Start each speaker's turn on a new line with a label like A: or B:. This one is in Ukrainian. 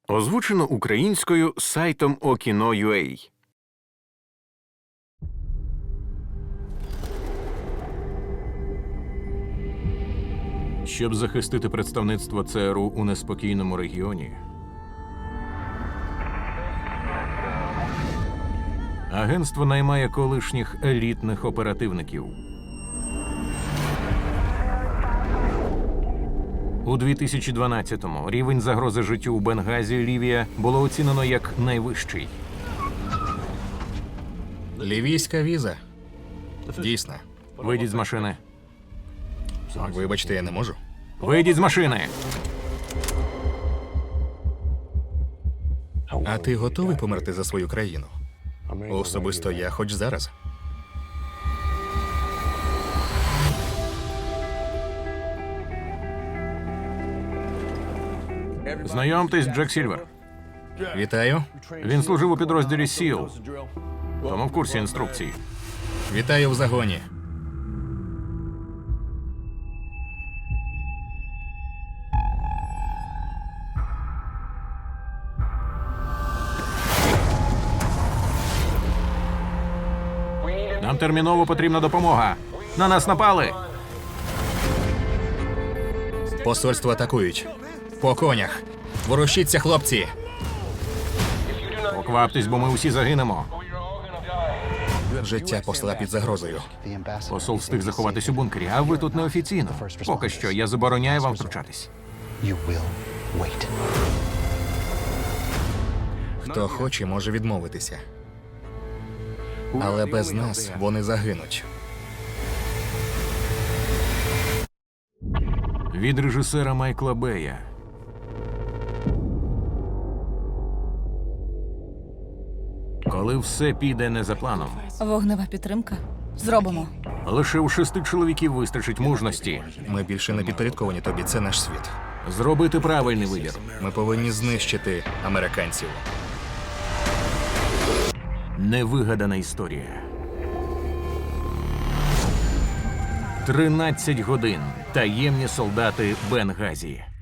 A: Озвучено українською сайтом Okino.ua. Щоб захистити представництво ЦРУ у неспокійному регіоні, агентство наймає колишніх елітних оперативників. У 2012-му рівень загрози життю у Бенгазі, Лівія, було оцінено як найвищий.
B: Лівійська віза. Дійсно.
A: Вийдіть з машини.
B: Вибачте, я не можу.
A: Вийдіть з машини!
B: А ти готовий померти за свою країну? Особисто я, хоч зараз.
A: Знайомтесь, Джек Сільвер.
B: Вітаю.
A: Він служив у підрозділі СІЛ, тому в курсі інструкцій.
B: Вітаю в загоні.
A: Нам терміново потрібна допомога. На нас напали.
B: Посольство атакують. По конях. Ворушіться, хлопці.
A: Покваптесь, бо ми усі загинемо.
B: Життя посла під загрозою.
A: Посол встиг заховатись у бункері, а ви тут неофіційно. Поки що я забороняю вам втручатись.
C: You will wait.
B: Хто хоче, може відмовитися. Але без нас вони загинуть.
A: Від режисера Майкла Бея. Коли все піде не за планом,
D: Вогнева підтримка. Зробимо.
A: лише у 6 чоловіків вистачить мужності
B: Ми більше не підпорядковані тобі, це наш світ.
A: зробити правильний вибір.
B: Ми повинні знищити американців.
A: Невигадана історія. 13 годин. Таємні солдати Бенгазі.